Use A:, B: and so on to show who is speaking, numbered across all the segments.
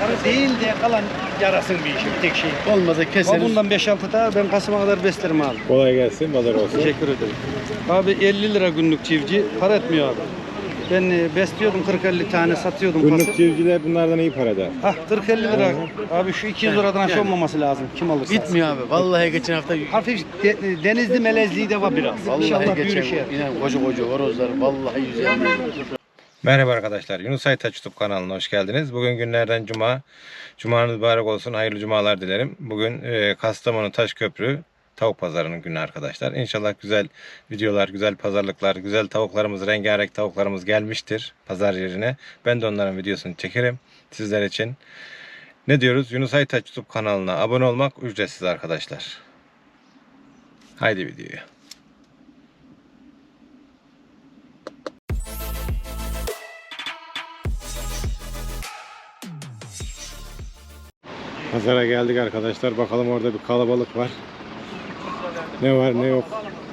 A: değil de kalan yarasın bir işi, bir tek şey.
B: Olmadı keseriz.
A: Bundan 5-6 daha ben Kasım'a kadar beslerim abi.
C: Kolay gelsin, pazar olsun.
A: Teşekkür ederim. Abi 50 lira günlük çiftçi, para etmiyor abi. Ben besliyordum 40-50 tane satıyordum.
C: Günlük çiftçiler bunlardan iyi para eder.
A: Hah 40-50 lira. Abi şu 200 liradan aşağı olmaması lazım. Kim alırsa.
B: Bitmiyor abi. Vallahi geçen hafta
A: Hafif denizli melezliği de var biraz. İnşallah
B: vallahi
A: büyür
B: geçen
A: şey.
B: inan koca horozlar vallahi yüzüyor.
C: Merhaba arkadaşlar, Yunus Aytaç YouTube kanalına hoş geldiniz. Bugün günlerden cuma. Cumanız mübarek olsun, hayırlı cumalar dilerim. Bugün Kastamonu Taşköprü tavuk pazarının günü arkadaşlar. İnşallah güzel videolar, güzel pazarlıklar, güzel tavuklarımız, rengarenk tavuklarımız gelmiştir pazar yerine. Ben de onların videosunu çekerim sizler için. Ne diyoruz? Yunus Aytaç YouTube kanalına abone olmak ücretsiz arkadaşlar. Haydi videoya. Pazara geldik arkadaşlar. Bakalım orada bir kalabalık var. Ne var ne yok.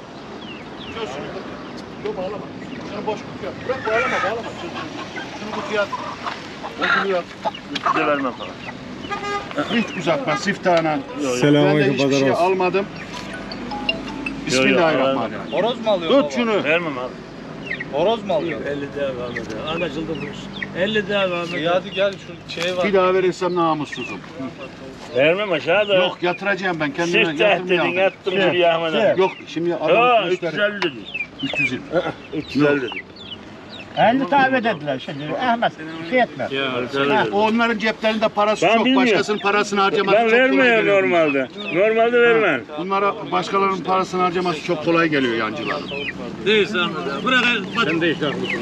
B: Yok bağlama. Şunu boş kutuya. Bırak bağlama. Şunu kutuya at. O kutuya at.
D: Size vermem falan.
B: Hiç uzatma siftahına. Ben de
C: Selamünaleyküm,
B: hiçbir
C: pazar
B: şey
C: olsun.
B: almadım. Bismillahirrahmanirrahim.
A: Horoz mu alıyorsun?
B: Tut şunu.
D: Vermem abi.
A: Horoz mu alıyorsun?
D: 50 daha vermedi. Anlaşıldı bu iş. 50 daha vermedi.
A: Hadi gel şu şeye var.
B: Bir daha verirsem namussuzum.
D: Vermem aşağıda.
B: Yok yatıracağım ben kendime
D: Siftah dedin
B: yatırmayalım.
D: yattım şuraya Ahmet'e.
B: Yok şimdi
D: Ha
B: adam
D: 350 dedi.
B: 300.
D: 350 dedi.
E: 50 tabi dediler şimdi. Ahmet şey etme.
B: Onların ceplerinde parası
D: Ben
B: çok.
D: bilmiyorum.
B: Başkasının parasını harcaması
D: Ben
B: çok kolay
D: vermiyorum
B: geliyor.
D: normalde. Normalde vermem.
B: Bunlara başkalarının parasını harcaması çok kolay geliyor yancıların.
D: Değilse Ahmet'e. Bırak. Sen de işte haklısın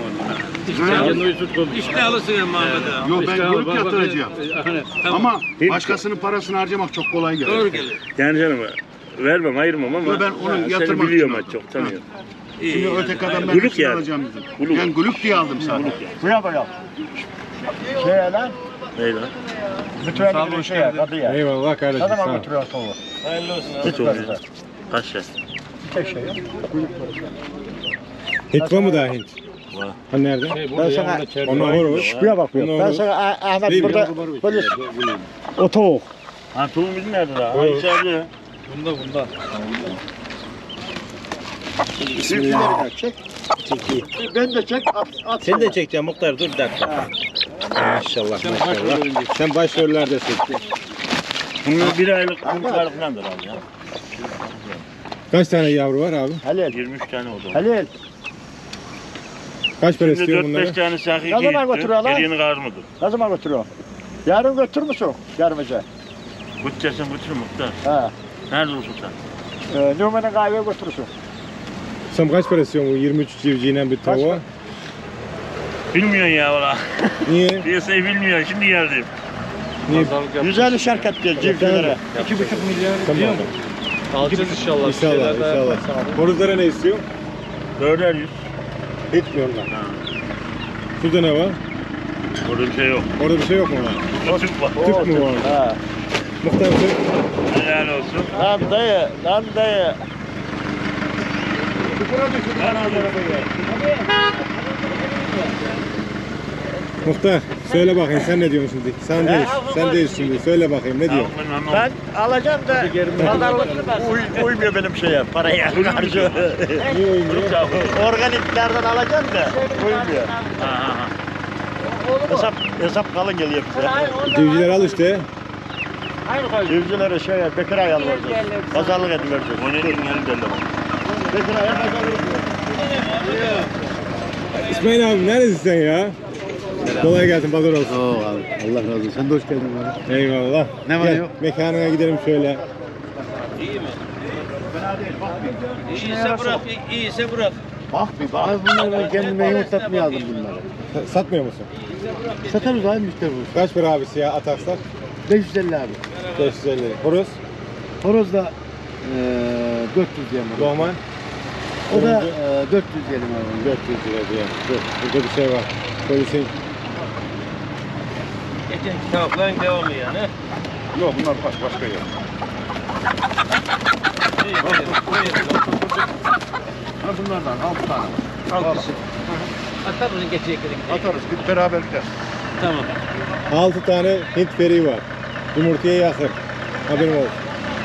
D: İşte alırsın Ahmet'e.
B: Yok ben grup yatıracağım. Ama başkasının parasını harcamak çok kolay geliyor.
D: Doğru gelir. Yani canım vermem ayırmam ama.
B: Yo, ben onu
D: seni
B: yatırmak
D: biliyorum
B: için
D: ben çok tanıyorum.
B: Şimdi öteki adam ben
D: Gülük
B: hepsini
D: yani.
B: alacağım dedim.
D: Gülük.
B: Ben gülük diye aldım sana.
E: Buraya bakalım. Şey lan.
D: Neyle?
E: Lütfen bir şeye kadıya.
C: Eyvallah kardeşim,
E: Ne
C: sağ
E: zaman
C: ol.
E: götürüyor tavuğu?
A: Hayırlı olsun
D: Hiç olmuyor. Kaç yaş?
E: Tek şey yok.
C: Hint var mı daha Hint?
D: Var.
C: Ha nerede?
E: Ben sana
C: Onlar horoz.
E: buraya bakıyorum. Ben sana Ahmet burada böyle o tavuk.
D: Ha tuğum bizim nerede daha? Ha içeride.
A: Bunda.
B: Bismillah.
E: Çek. Ben de çek at.
C: Seni de çekeceğim muhtar, dur bir dakika. Maşallah maşallah. Sen başrollerdesin.
D: Bunun bir aylık kurtlar falandır abi ya.
C: Kaç tane yavru var abi?
E: Halil.
D: 23 tane oldu.
E: Halil.
C: Kaç para
D: Şimdi
C: istiyor
D: 4-5
C: bunları?
D: tane sakı
E: Ne zaman götürüyor lan?
D: Geriğini karmadı.
E: Ne zaman götürüyor? Yarın götür müsün? Yarın gece.
D: Götürsen götür muhtar.
E: Ha.
D: Nerede olsun sen?
E: Numanın kahveye götürürsün.
C: Sen kaç para istiyorsun bu 23 civciyle bir tavuğa?
E: para?
D: Bilmiyorsun ya valla.
C: Niye?
D: Piyasayı bilmiyorsun. Şimdi geldim.
C: Niye?
E: 150 şirket gel civcivlere.
A: 2,5 milyar
C: Tamam.
A: diyor mu? Alacağız inşallah. Bir
C: İnşallah
A: şeyler daha
C: inşallah.
A: yaparız.
C: Horozlara ne istiyor?
D: 4'er 100.
C: Etmiyorlar. Şurada ne var?
D: Orada bir şey yok.
C: Orada bir şey yok mu lan?
D: Burada Türk var.
C: Türk mü var?
E: Ha.
C: Muhtar Türk.
D: Helal olsun.
E: Lan dayı.
C: Muhtar söyle bakayım sen ne diyorsun şimdi? Sen değil şimdi. Söyle bakayım ne diyorsun?
E: Ben alacağım da pazarlık uymuyor benim şeye, paraya karşı.
C: Niye uymuyor?
E: Organiklerden alacağım da uymuyor. Hesap kalın geliyor bize.
C: Civciler al işte.
E: Civcilere şeye Bekir ayarlayacağız. Pazarlık edivereceğiz.
D: O ne diyeyim gelin derler.
E: Bekir ayar pazarlık ediyor.
C: İsmail abi neredesin sen ya? Kolay gelsin, pazar olsun.
B: Oo abi. Allah razı olsun. Sen de hoş geldin abi.
C: Eyvallah.
B: Ne var
C: Gel,
B: yok?
C: mekanına gidelim şöyle.
A: İyiyse bırak, iyiyse bırak.
B: Bak bir bak. Abi bunları ben kendime yumurtlatmaya aldım bunları.
C: Satmıyor musun?
B: Satarız abi müşteri bu.
C: Kaç para abi siyah ataksak?
B: 550 abi.
C: 550. Horoz,
B: Horoz da 400 diyelim.
C: Doğman.
B: O da 400 diyelim abi.
C: 400 lira diye. Dur, burada bir şey var. Polisin.
A: Geçen tavukların devamı yani.
B: Yok bunlar başka yer. Ha bunlardan 6 tane.
A: Al kızım. Atar mısın geçecekleri?
B: Atarız bir beraberlikte.
D: Tamam.
C: 6 tane Hint feri var. Yumurtaya yakın. Haberim olsun.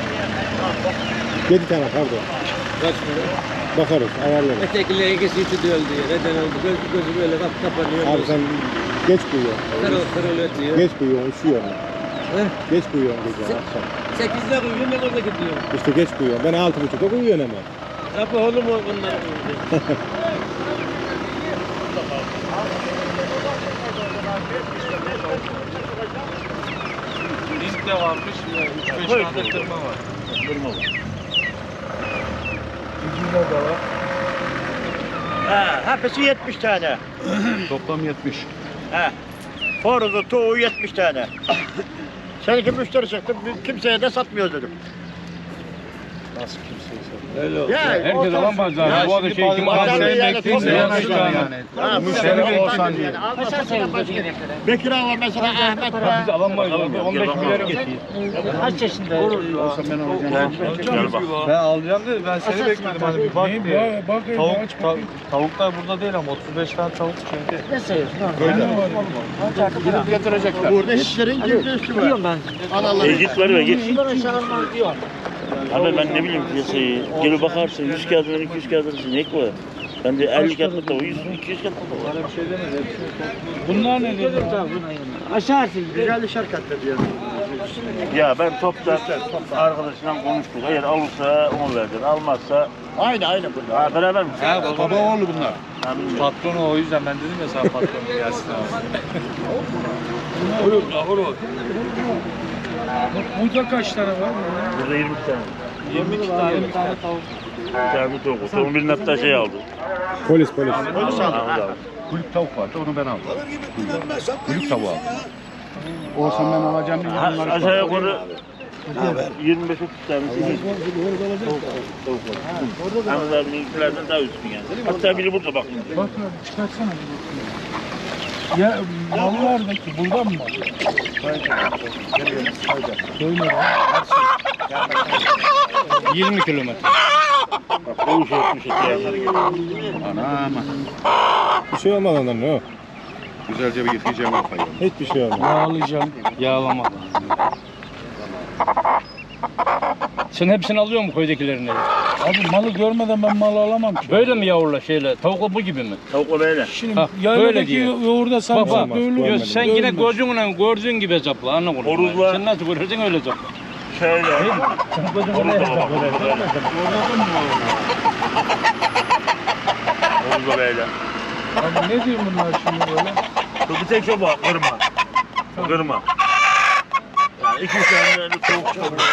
C: 7 tane pardon.
D: Kaç
C: Bakarız, ayarlarız.
D: Ötekiler ikisi üçü de öldü. Neden oldu? Gözü böyle kapanıyor.
C: Abi sen geç uyuyorsun.
D: Kırıl ötüyor.
C: Geç uyuyorsun, üşüyorsun.
D: He?
C: Geç uyuyorsun gece akşam.
D: 8'de uyuyorum ben orada gidiyorum.
C: İşte geç uyuyorsun. Ben 6.30'da uyuyorum hemen.
D: Kapı oğlum o bunlar.
A: Hint de varmış. 3-5 tane kırma var.
B: Kırma var.
A: Civcivler de var.
E: Ha, hepsi 70 tane.
A: Toplam 70.
E: Ha. Horozu, tavuğu 70 tane. Seninki müşteri çıktı, kimseye de satmıyor dedim.
A: Nasıl kimseyse.
D: Öyle oldu.
E: Ya,
D: Herkes
E: o
D: alan pazarı. Bu arada şey kim
E: pazarı
D: aldı?
E: yani
A: bekleyince
E: topluyor
A: yani.
E: Ha,
A: Müşteri olsan diye.
E: Bekir ağa var mesela, Ahmet var.
D: Biz alamayız. 15 milyara getiriyor.
F: Kaç yaşında?
A: Olsa ben alacağım.
D: Gel bak.
A: Ben alacağım dedi. Ben seni bekledim hani bir bak diye. Tavuklar burada değil ama 35 tane tavuk çünkü.
F: Ne sayıyorsun?
B: Gidip getirecekler.
E: Burada hiçlerin girdi üstü var.
F: Diyorum ben.
E: Analar.
D: Git var ve git.
F: Şuradan aşağı almaz diyor.
D: Abi ben ne bileyim piyasayı. Gelip bakarsın 100 kağıdından 200 kağıdından ne var? Ben de 50 kağıtlık da o 100 200 kağıtlık da var.
A: Bunlar ne dedi?
F: Aşağı atın.
E: Güzel şarkıda diyor.
D: Ya ben toptan arkadaşımla konuştuk. Eğer alırsa onu verdin. Almazsa
E: Aynı burada.
D: ha, beraber mi?
B: Baba oğlu bunlar.
D: Ha, bilmiyorum.
A: Patronu o yüzden ben dedim ya sana patronu gelsin abi. Burada kaç tane var?
D: Burada 20 tane.
A: 22 tane.
D: Bir tane tavuk. Tavuğun birinin hatta şey aldı.
C: Polis.
E: Polis aldı.
D: Ahmet abi.
B: Kulüp tavuk vardı onu ben aldım. Kulüp tavuğu aldım. Olsam ben alacağım diye bunları
D: Aşağı yukarı 25-30 tanesi iyi. Tavuk var. Ahmet abininkilerden daha üstün yani. Hatta biri burada bak.
G: Bak çıkarsana. Ya mallardaki buradan mı? Doymadı.
A: 20 kilometre.
D: Bak o iş etmiş yani.
B: Anam.
C: Bir şey olmaz ondan ne o?
B: Güzelce bir yıkayacağım kafayı.
C: Hiçbir şey olmaz.
G: Yağlayacağım.
A: Yağlama. Sen hepsini alıyor mu köydekilerini?
G: Abi malı görmeden ben malı alamam ki.
A: Böyle mi yavrular şeyler? Tavukla bu gibi mi?
D: Tavuk böyle.
G: Şimdi
A: Ha, böyle
G: yayladaki
A: diyor.
G: yoğurda sarımsak
C: Baba,
G: böyle
C: görmedim.
G: olur.
A: Sen yine gözünle gördüğün gibi hesapla. Anla bunu.
D: Horuzla-
A: Sen nasıl görürsün öyle hesapla.
D: Şöyle. Orada böyle.
G: Abi ne diyor bunlar şimdi böyle?
D: Bu bir tek şu bu. Kırma. Kırma. Yani 2-3 tane de tavuk çıkıyor.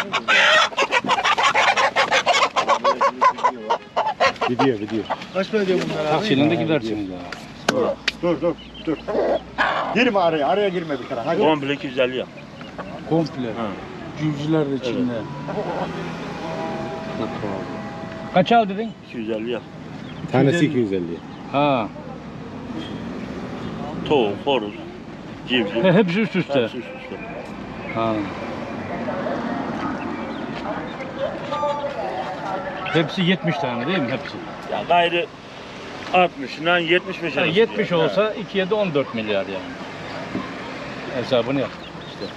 C: Gidiyor.
E: Kaç para diyor bunlar abi?
A: Taksiyle de gidersiniz ya.
E: Dur. Girme araya girme bir kere. Hadi.
D: Komple 250 ya.
G: Komple. Cüvcüler de içinde.
A: Kaç al dedin?
D: 250 ya.
C: Tanesi 250.
A: Ha.
D: Tavuk, horoz, civciv.
A: Hepsi üst üste.
D: Hepsi üst üste.
A: Ha. Hepsi 70 tane değil mi hepsi?
D: Ya gayrı 60'dan 75
A: Yani 70 olsa 2'ye de 14 milyar yani. Hesabını yap işte.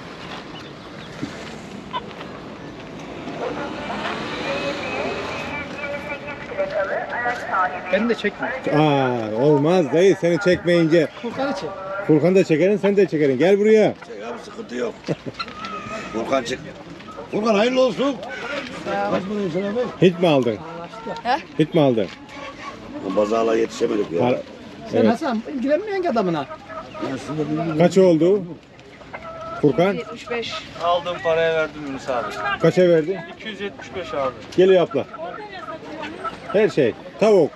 F: Beni de çekme.
C: Olmaz dayı seni çekmeyince.
F: Furkan'ı çek.
C: Furkan da çekerin sen de çekerin. Gel buraya.
H: Abi sıkıntı yok. Furkan çık. Furkan hayırlı olsun.
C: Hit mi aldın? Hit mi aldın?
H: Bu pazarlığa yetişemedik ya.
C: Par-
F: Sen
C: Evet.
F: Hasan ilgilenmiyorsun ki adamına.
C: Kaç oldu? Furkan
I: 75.
A: Aldığım paraya verdim Yunus abi.
C: kaça verdi?
A: 275 abi.
C: Geliyor abla. Her şey. Tavuk,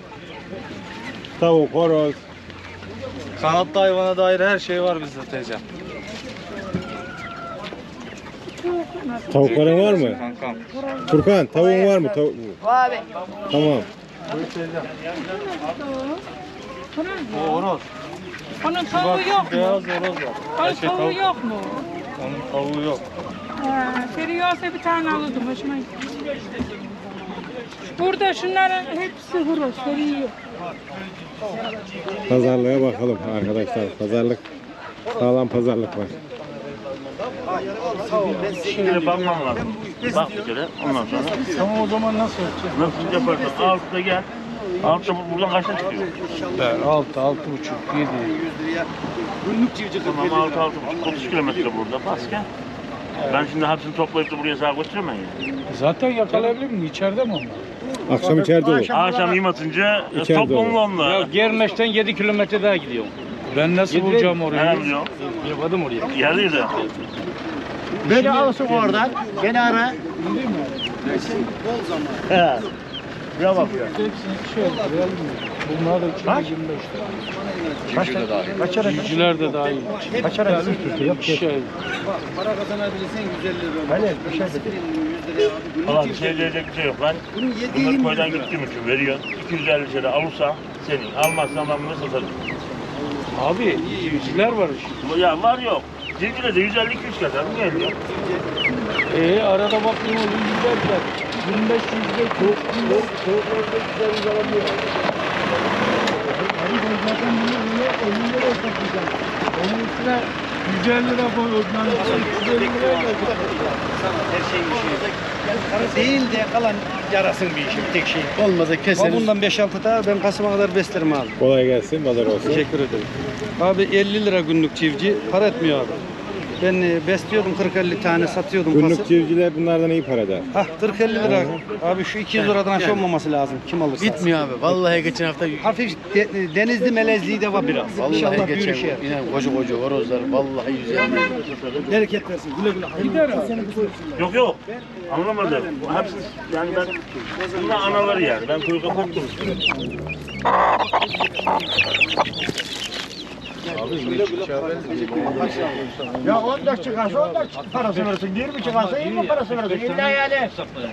C: horoz.
A: Kanatlı hayvana dair her şey var bizde teyze.
C: Tavukların var mı?
A: Kankam.
C: Furkan tavuğun var mı?
I: Abi.
C: Tamam.
A: O horoz.
J: Onun tavuğu yok mu?
A: Beyaz horoz var.
J: Onun tavuğu yok mu?
A: Onun tavuğu yok.
J: Feri olsa bir tane alırdım. Hoşuma gitti. Burada şunların hepsi horoz. Feri yok.
C: Pazarlığa bakalım arkadaşlar. Pazarlık Sağlam pazarlık var.
D: Şimdi bakmam lazım. Bak bir kere ondan sonra.
G: Tamam o zaman nasıl yapacağız?
D: Nasıl yaparsın? Altta gel. Altta buradan kaçta çıkıyor?
G: 6, 6,5, 7.
A: Günlük civciv
D: Tamam 6,5 30 kilometre burada. Bas gel. Ben şimdi hepsini toplayıp da buraya sağa götüremem ya.
G: Zaten yakalayabilir miyim? İçeride mi onlar?
C: Akşam içeride olur.
D: Akşam yem atınca
C: İçeride
D: toplamlı
C: olur.
D: onunla.
F: Germeş'ten 7 kilometre daha gidiyorum.
G: Ben nasıl bulacağım orayı?
D: Ne biliyorum?
F: Yapmadım oraya.
D: Geldi de.
E: Beni alsın oradan. Beni ara. He. Buraya bak ya.
G: Hepsini şey yapıyor. Bunlar da içinde 25 lira.
E: Kaç ara?
G: Civciler de dahil.
E: Kaç ara?
G: Şey,
A: Para kazanabilirsen 150 lira.
E: Öyle bir şey
A: Aspirin 100 liraya abi. Günlük
D: Valla bir
A: civciv.
D: şey diyecek bir şey yok. Ben
A: Bunun
D: bunları
A: yediği
D: koydan gittiğim için veriyor. 250 lira alırsa senin. Almazsan ben bunu satarım.
G: abi civciler var işte.
D: Ya var yok. Civcivle de 150-200 kadar mı geliyor?
G: Arada bakıyorum o civciler 25 civciler tavuklarda güzel alabiliyor. Abi ben zaten bunu 50 lira satacağım. Onun üstüne 150 lira koyuyorum. 150 liraya geldik.
A: Her şeyin işi. Değil de kalan yarasın bir işi, bir tek şey.
H: Olmadı
A: Ama
H: keseriz.
A: bundan 5-6 daha ben Kasım'a kadar beslerim abi.
C: Kolay gelsin, pazar olsun.
A: Teşekkür ederim. Abi 50 lira günlük çiftçi para etmiyor abi. Ben besliyordum 40-50 tane satıyordum
C: Günlük
A: pası.
C: civcivler bunlardan iyi para eder.
A: Hah 40-50 lira. Abi şu 200 liradan aşağı olmaması lazım. Kim alırsa.
H: Bitmiyor abi. Vallahi geçen hafta
A: Hafif denizli melezliği de var biraz. İnşallah
H: vallahi
A: büyür
H: geçen
A: şey.
H: yine koca horozlar vallahi 150.
A: Bereket versin. Güle güle.
G: Gider abi.
D: Yok yok. Anlamadım. Bu hepsi yani ben bunlar anaları yani. Ben kuyruğa koptum.
E: Ya 14 çıkarsa 14 parası verirsin. 20 çıkarsa 20 parası verirsin. İlla yani.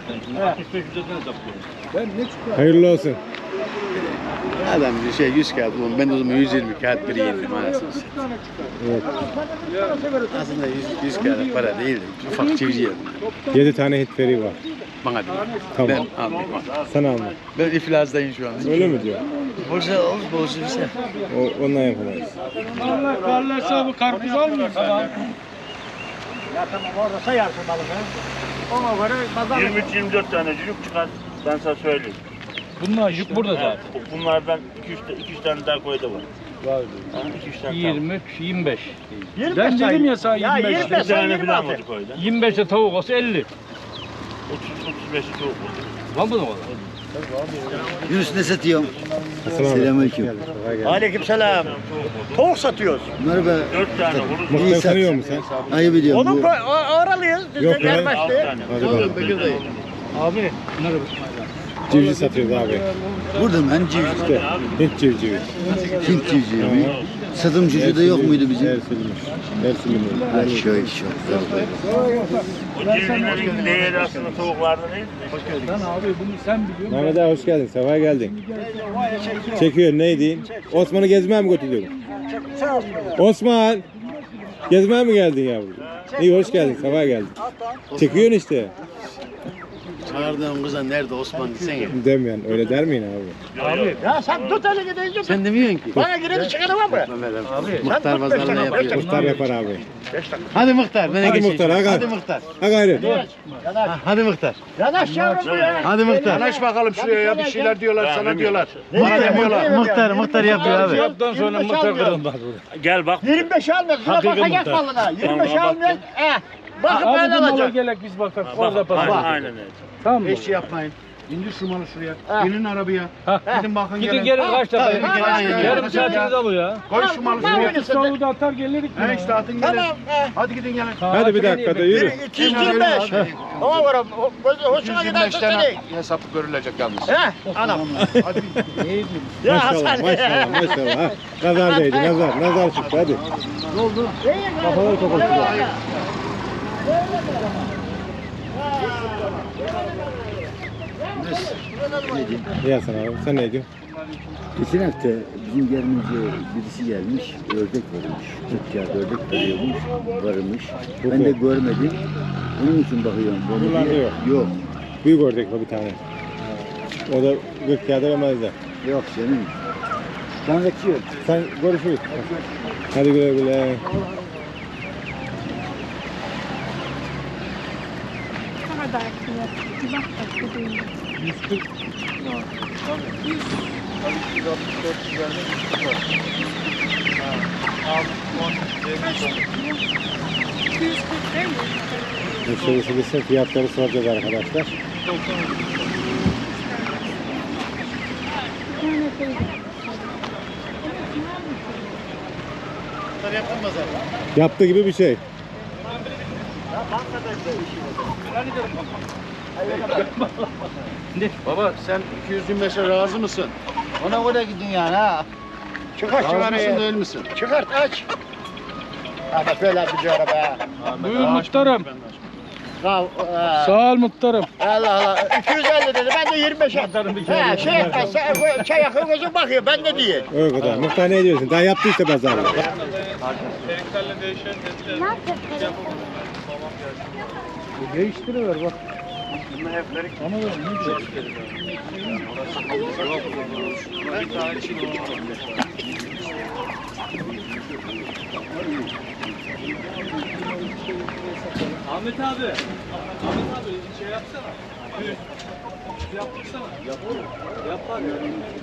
C: Hayırlı olsun.
H: Adam bir şey 100 kağıt bulun. Ben de o zaman 120 kağıt biri yedim anasını satayım.
C: Evet.
H: Aslında 100 kağıt para değil de ufak çivici yedim.
C: 7 tane hitveri var.
H: Bana değil.
C: Tamam.
H: Ben almayayım.
C: Sen alma.
H: Ben iflasdayım şu an.
C: Öyle mi diyor?
H: Borsa olur, borsa bir şey.
C: Ondan yapamayız.
G: Allah karlarsa bu karpuz almıyorsun.
E: Ya tamam orada sayarsın balığı. Ona göre pazar.
D: 23-24 tane cülük çıkar. Ben sana söyleyeyim.
G: Bunlar yük burada zaten.
D: Bunlardan 2-3 tane daha koyda var.
G: Var.
D: 2-3 tane
G: 23, 25.
E: 25
G: Ben
E: say.
G: dedim ya sana
E: Ya
G: 25.
E: 25
D: Bir tane
E: say
D: falan
E: 26.
D: var koyda.
G: 25'e tavuk olsa 50.
D: 30-35'i tavuk var.
G: Var mı o kadar?
H: Yunus ne satıyorsun?
C: Selamünaleyküm.
E: Aleykümselam. Tavuk satıyoruz.
H: Bunları be
D: 4 tane horoz var.
C: Muhtar tanıyor musun sen?
H: ayıp ediyorum.
E: Onun oralıyız. Biz de
C: Yok ya.
E: gelmezdi.
D: 6 tane.
C: Hadi bakalım.
G: Abi bunları
C: Civciv satıyoruz abi.
H: Burada mı? Hani civciv?
C: İşte Hint civcivi.
H: Hint civcivi mi? Satım civcivi de yok muydu bizim?
C: Ersilmiş. Ersilmiş.
H: Ha şöyle çok.
D: O civcivlerin değeri aslında tavuklarda değil.
G: Sen abi bunu sen biliyorsun.
C: Mehmet abi hoş geldin. Sefa geldin. Çekiyor neydi? Osman'ı gezmeye mi götürüyordun? Osman! Gezmeye mi geldin yavrum? İyi hoş geldin. Sefa geldin. Çekiyorsun işte.
H: Çağırdığım kıza nerede Osman desene.
C: Demiyorsun. Öyle der miyin abi?
G: Abi
E: Ya sen tut elini deyince tut.
H: Sen demiyorsun ki.
E: Bana gireni çıkarı var mı?
H: Muhtar pazarına yapıyor.
C: Muhtar yapar abi.
H: Hadi Muhtar. Bana
C: Hadi
H: geçin.
C: Muhtar, hadi.
H: Hadi Muhtar.
C: Ha gayret.
H: Hadi Muhtar.
E: Yanaş yavrum ya.
H: Hadi Muhtar.
E: Yanaş bakalım şuraya ya bir şeyler diyorlar sana diyorlar.
H: Muhtar yapıyor abi.
G: yaptıktan sonra muhtar kırılmaz.
D: Gel bak.
E: 25 almıyor. Şuna
G: Hakiki
E: bakacak
G: muhtar.
E: malına. 25
D: Tamam,
E: almıyor. Bakıp
G: Abi
E: ben
G: bu mala
E: alacağım.
G: gelek biz bakalım.
D: Bak,
G: Orada pazar.
D: aynen öyle.
G: Tamam mı?
B: Eşi yapmayın. İndir şu malı şuraya.
E: Ha.
B: Binin arabaya.
G: Ha.
B: Gidin bakın
G: Gidin
B: gelin.
G: gelin kaç
E: Tabii,
G: dakika.
E: tabii, aynen.
G: Yarım saatiniz alıyor ya.
B: Koy şu malı şuraya.
E: Tamam.
G: Savuğu da atar gelirik.
B: He işte atın gelin.
E: Tamam.
B: Hadi gidin gelin.
C: Hadi bir dakika da yürü.
E: 225. Ona göre hoşuna giderse seni.
B: hesaplı görülecek yalnız.
E: He anam.
B: Hadi.
E: Ya
C: Maşallah
E: Hasan.
C: maşallah maşallah. Ha, nazar değdi nazar. Nazar çıktı hadi. Kafaları toplatıyor. İyi Hasan abi. Sen ne diyorsun?
I: Geçen hafta bizim gelmeyince birisi gelmiş, ördek varmış. 40 kağıt ördek veriyormuş, varmış. Ben de görmedim. Onun için bakıyorum. Böyle
C: Bunlarda
I: bir-
C: yok.
I: Yok.
C: Büyük ördek var bir tane. O da 40 kağıda vermezler.
I: Yok canım. Ben kaçıyorum.
C: Sen görüşürüz. Hadi güle güle.
J: Ne kadar fiyat? Bir bak bak dediğim.
G: 140.
J: Yok. Yok 100.
B: 164 üzerinde 140 var.
J: Kaç tutuyor? 240 değil mi?
C: Müşterisi gitsin fiyatları soracağız arkadaşlar.
J: Bir tane teyze.
B: Bunları yaptın mı zaten?
C: Yaptığı gibi bir şey.
B: Baba sen 225'e razı mısın?
E: Ona göre gidin yani ha. Çıkart şu
B: Razı mısın
E: arayı.
B: değil misin?
E: Çıkart aç. Ama böyle bir cara be.
G: Buyur muhtarım.
E: Sağ
G: Sağ ol muhtarım.
E: Allah Allah. 250 dedi. Ben de 25'e. He şey etmezse çay yakın gözüm bakıyor. Ben ne diyeyim?
C: O kadar. Muhtar ne diyorsun? Daha yaptı işte pazarda.
G: Değiştiriver bak. Ama ne güzel.
F: Ahmet abi. Ahmet abi şey yapsana. Yaptırsana. Yapar ya.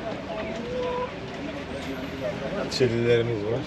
C: Çelilerimiz var.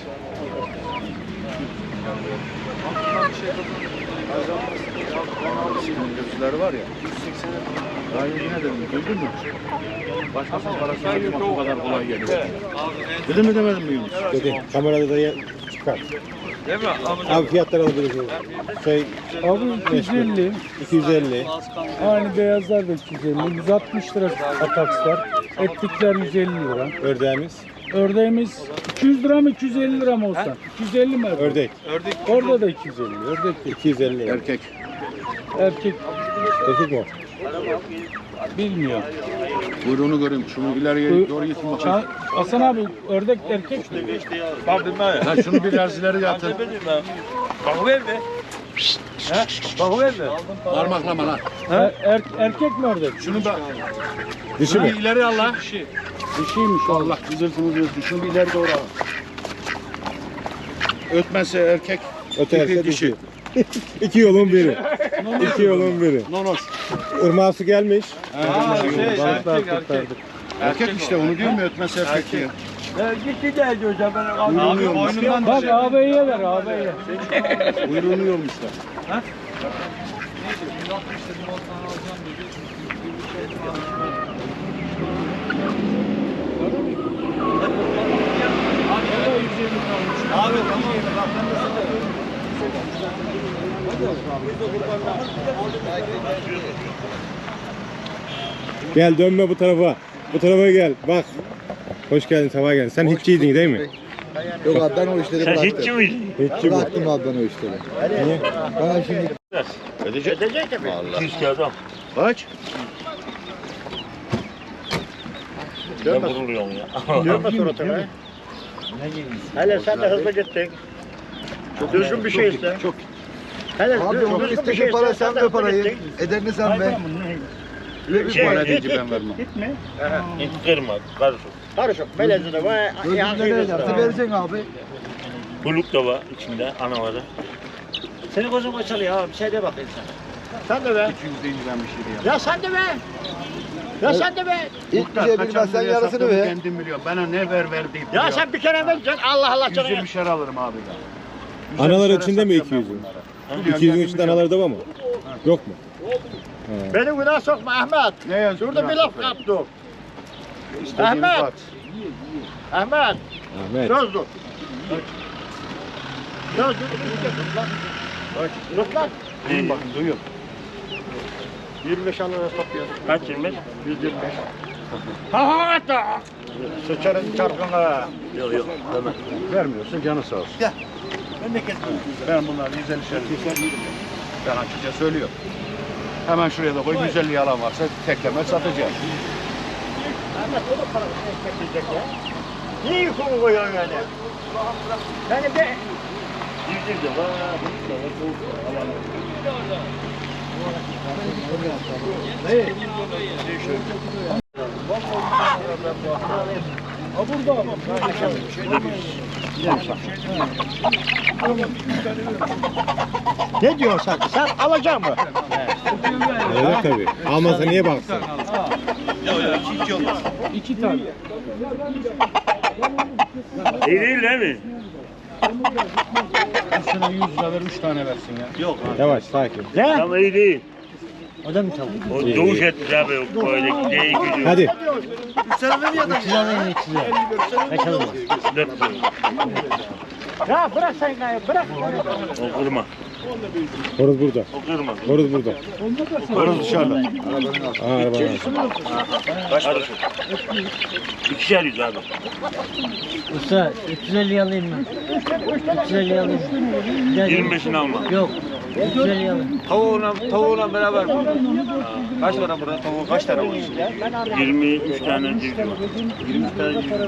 B: Gözler var ya. 180'e. Daha yine dedim. Duydun mu? Başkasının parasını almak bu kadar kolay geliyor. Dedim mi demedim mi Yunus?
C: Dedi. Kamerada da çıkar.
F: Değil mi?
C: Abi fiyatları alabilirsiniz. Şey
G: Abi 250.
C: 250.
G: Aynı beyazlar da 250. 160 lira atakslar. Etlikler 150 lira.
C: Ördeğimiz.
G: Ördeğimiz 200 lira mı 250 lira mı olsa? 250 mi?
C: Ördek.
G: Orada da 250. Ördek de
C: 250 lira.
B: Erkek.
G: erkek
C: Erkek mi?
G: bilmiyor.
B: Buyruğunu göreyim. Şunu ileriye doğru getir bakayım.
G: Hasan abi ördek erkek mi?
B: Ha şunu biraz ileri yatır. Parmaklama lan.
G: Erkek mi ördek?
B: Şunu da
C: Dişi
B: şunu
C: mi?
B: ileri al lan.
G: Dişiymiş o.
B: Allah güzelsiniz ötün. Şunu bir ileri doğru al. Ötmezse erkek.
C: Öterse
B: dişi.
C: dişi. İki yolun biri. İki yolun biri.
B: Nonos.
C: Irmağı su gelmiş.
G: Balıklar kurtardık.
B: Erkek işte onu diyor mu ötmezse erkek diyor.
F: Abi boynundan
G: Bak ağabeyiye ver ağabeyiye.
B: Buyruğunu yormuşlar.
C: Gel dönme bu tarafa. Bu tarafa gel. Bak. Hoş geldin, sabah geldin. Sen hiççiydin değil mi?
H: Yok abi ben o işleri
D: Sen
H: bıraktım.
D: hiççi miydin?
C: Hiççi bu.
H: Bıraktım abi ben o işleri.
C: Niye?
H: Bana şimdi
E: Edecek tabii.
D: 200 kağıt al.
B: Kaç?
D: Ben vuruluyorum ya.
E: Dönme suratına. Hele sen de hızlı gittin. Düzgün bir şey iste.
B: Çok.
E: Hele
H: abi onun
E: düzgün bir
H: istediği
E: şey
H: para
E: iste.
H: sen
E: de
H: ver
E: hızlı
H: parayı.
E: gittin.
H: Ederini sen ver.
B: Bir para deyince ben vermem.
G: Gitme.
D: Hiç kırma. Karışık.
E: Karışık. Melezi de var.
H: Gözünde ne ederse vereceksin abi.
D: Buluk da var içinde anaları. Senin gözün açılıyor abi. Bir şey de bakayım sen.
E: Sen de ver.
B: 200 deyince ben bir şey diyemem.
E: Ya sen de ver. Ya sen de ver.
H: İlk bir şey bilmezsen yarısını ver.
B: Kendim biliyorum. Bana ne ver deyip
E: Ya sen bir kere vereceksin. Allah Allah canına.
B: 120'şer alırım abi ya.
C: Analar içinde mi 200'ün? 200'ün içinde anaları da var mı? Yok mu?
E: Beni günah sokma Ahmet.
B: Ne yazık
E: Şurada bir laf kaptım. Ahmet. Ahmet.
C: Ahmet.
E: Söz dur. Söz dur. Dur lan.
B: Duyun bakın duyun.
E: 25 alana topluyor.
D: Kaç 25?
E: 125. Ha hatta. Sıçarın çarkına.
D: Yok yok. Tamam.
B: Vermiyorsun canı sağ olsun.
E: Gel. Ben de kesmem.
B: Ben bunları 150'şer keser. Ben açıkça söylüyorum. Hemen şuraya da koy 150 alan varsa tekleme satacağız.
E: Ahmet o da para çekecek ya. Niye yükümü koyuyorsun yani? Yani bir...
D: Yüzüm de var. Buluk da var. Soğuk da var.
E: Ne diyorsun sen? Sen alacak mı?
C: Evet tabii. Almasa niye baksın?
G: İki tane.
D: İyi değil mi?
B: Şuna 100 lira ver 3 tane versin ya. Yok abi.
C: Yavaş sakin.
E: Ne?
D: Ama iyi değil.
E: O da mı tavuk?
D: O doğuş etmiş abi böyle değil gücü.
C: Hadi.
E: Kaç alır? Ya bırak sen gayet bırak.
D: O kırma.
C: Horoz burada.
D: O kırma.
C: Horoz burada.
B: Horoz dışarıda.
C: Aa, arabanın.
D: Kaç para? 2'şer yüz abi.
E: Usta 350 alayım mı? 350 alayım.
D: 25'ini alma.
E: Yok. 350 alayım.
F: Tavuğuna beraber mi? Kaç tane burada? Tavuğu kaç tane var?
D: 23 tane civciv var.
F: 23 tane civciv.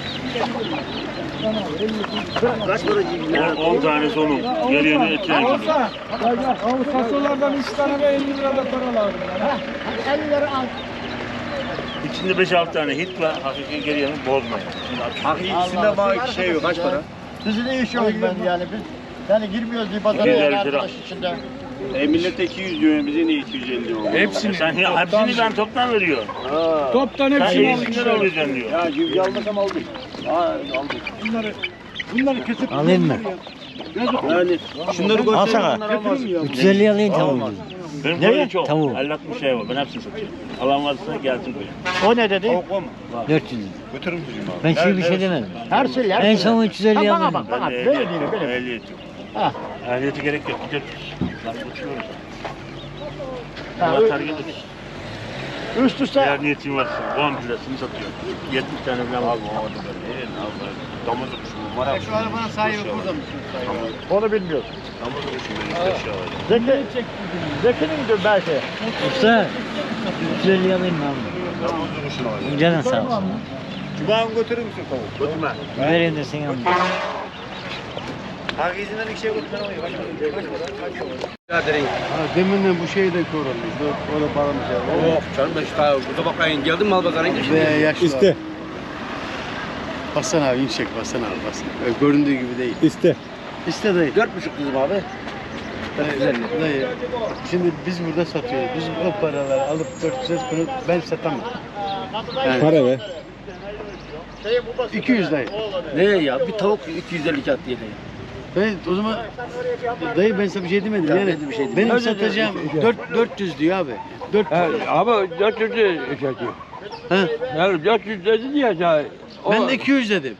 E: Kaç para cimri?
D: 10 tanesi onun. Geriye etine gidiyor.
G: Abi fasolardan 3 tane ve 50 lira da para lazım.
E: 50 lira al.
D: İçinde 5-6 tane hit var. Hakiki geriye bozmayın.
F: Hakikisinde bana şey yok. Kaç para?
E: Bizi ne iş yok ben yani biz yani girmiyoruz bir pazara
D: Güzel
E: yani
D: lira.
E: arkadaş içinde.
H: Millete 200 diyor, bize niye 250 diyor?
G: Hepsini.
D: Sen hepsini ben toptan veriyorum.
G: Toptan
D: Sen
G: hepsini
D: iyisinden
G: alın.
D: alacaksın diyor.
H: Ya civciv almasam aldım.
E: Bunları kesip alayım mı?
H: Yani şunları
E: Al sana. 350 alayım tavuğu.
D: Benim
E: Nereye?
D: koyun çok.
E: Tavuğu.
D: 50-60 şey var. Ben hepsini satıyorum. Alan varsa gelsin koyun.
E: O ne dedi? 400 lira.
H: götürür müsün abi?
E: Ben şimdi bir şey demedim. Her şey her En son 350
D: Ben
E: alayım.
D: de
E: Böyle
D: ehliyet
E: değil
D: yok.
E: böyle.
D: Ehliyet yok.
E: Ha.
D: Ehliyete gerek yok. Gidiyoruz. Lan uçuyoruz.
E: Ha,
D: Atar gideriz.
E: Üst üste
D: Eğer niyetin varsa 10 lirasını satıyor. 70 tane falan var. Damızı kuşu var.
H: Şu arabanın sahibi burada mı?
E: onu bilmiyorsun.
D: Damızı kuşu böyle
E: Zeki'nin diyor belki. Usta 350 alayım mı abi? Canın sağ olsun.
H: Cuma'nı götürür müsün tavuk?
D: Götürme.
E: Vereyim de sen al.
H: Hakikisinden iki şey götürmen oluyor. Deminle bu şeyi de korunmuş. O da bağlamış ya.
F: Yok canım ben işte burada bakayım. Geldin mi Albazar'a gittin?
H: Ve yaşlı.
C: İste.
H: Bassana abi, inşek bassana abi, bassana. Öyle göründüğü gibi değil.
C: İste.
H: İste dayı.
F: 4,5 dedim abi.
H: Dayı. Şimdi biz burada satıyoruz. Biz o paraları alıp 400 bunu ben satamam. Yani
C: Para ver.
H: 200 dayı.
F: Ne ya? Bir tavuk 250 kağıt diye.
H: Ben o zaman dayı ben sana bir şey demedim yani.
F: ben de bir şey demedim.
H: Benim satacağım 400 diyor abi. 400.
F: Abi 400 lira çekiyor.
H: Ha?
F: Yani 400 dedi diye ya.
H: Ben de 200 dedim.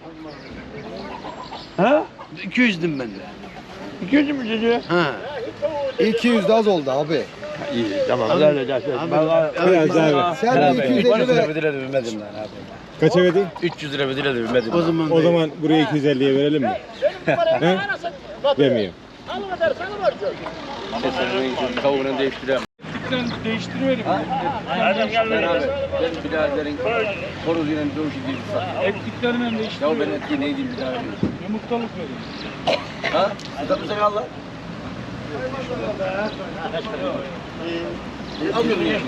F: Ha?
H: 200 dedim ben de.
F: 200 mü dedi?
H: Ha.
A: 200 de az oldu abi.
F: İyi tamam. Öyle dersin.
C: Biraz daha ver.
A: Sen de 250 ver.
F: bedile vermedim ben abi.
C: Kaça verdin?
F: 300 lira bedile vermedim.
H: O zaman
C: O zaman buraya 250'ye verelim mi? He? Vermiyor.
F: Tavuğunu değiştireyim.
G: Değiştiriverim.
D: Nereden geldin?
F: Benim biraderin horoz yine dövüşü değil.
G: Ettiklerini hem
F: Ya
G: değiştiriverim.
F: ben etki neydi birader?
G: Yumurtalık verin.
F: Ha? Adamı sen al lan. Almıyordun ya.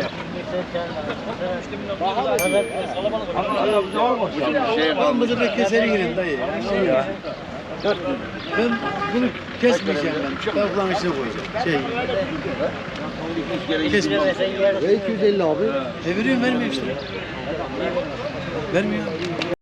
H: Olmadı da keserim yine dayı. Şey ya. Ben bunu kesmeyeceğim ben. Tavukların içine koyacağım. Kesmeyeceğim.
A: Ve 250 abi.
H: Veriyorum, vermiyor işte. Vermiyor.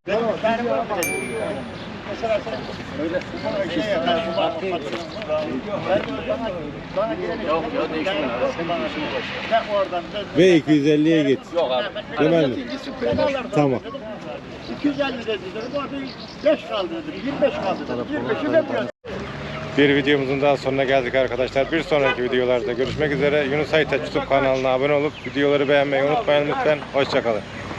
C: Ve 250'ye git.
F: Yok abi.
C: Demez mi? Tamam.
E: 250 dedi. Bu arada 5 kaldı dedi. 25 kaldı dedi. 25'i vermiyor.
C: Bir videomuzun daha sonuna geldik arkadaşlar. Bir sonraki videolarda görüşmek üzere. Yunus Aytaç YouTube kanalına abone olup videoları beğenmeyi unutmayın lütfen. Hoşçakalın.